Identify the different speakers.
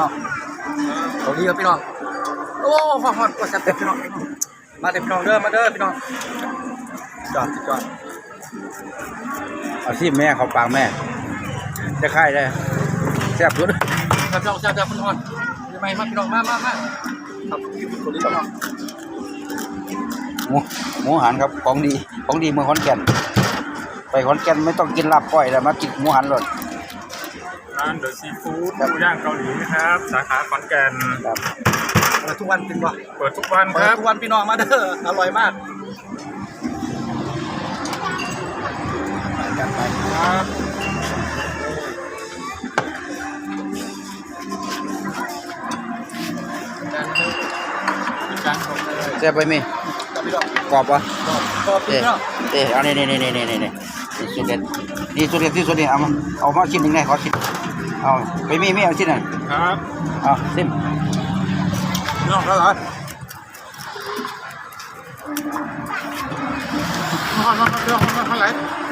Speaker 1: องเขาดีครับพี่น้องโอ้ฟังฮอดกดแซ่บพี่น้องมาเด้อพี่น้องเด้อมาเด้อพี่น้องจอด
Speaker 2: เอาที่แม่เขาปากแม่จะค่ายได้แซ่บสุด
Speaker 1: แซ่บพี่น้องยังไงมาพี่น้องมาครับพี่คนนี้พี่น้อง
Speaker 2: หมูหันครับของดีเมืองขอนแก่นไปขอนแก่นไม่ต้องกินลาบก้อยแล้วมากินหมูหันเลย
Speaker 3: ร้านเดอะซีฟู้ดหมูย่างเกาหลีนะครับสาขาขอนแก่น
Speaker 1: เปิดทุกวันเป็นวะ
Speaker 3: เปิดทุกวันครับ
Speaker 1: ทุกวันพี่น้องมาเด้ออร่อยมาก
Speaker 3: จัดไปครับ
Speaker 2: แซ่บไปมั้ยกรอบวะ
Speaker 1: กรอบพี่น้อง
Speaker 2: อันนี้สุดเด็ดนี่สุดเด็ดที่สุดนี่เอามาชิ้นหนึ่งได้ขอชิ้นเอาไปมีเอาชิ้นหนึ่ง
Speaker 3: ครับ
Speaker 2: เอาซิม
Speaker 1: พี่น้องแล้วเหรอมาไหล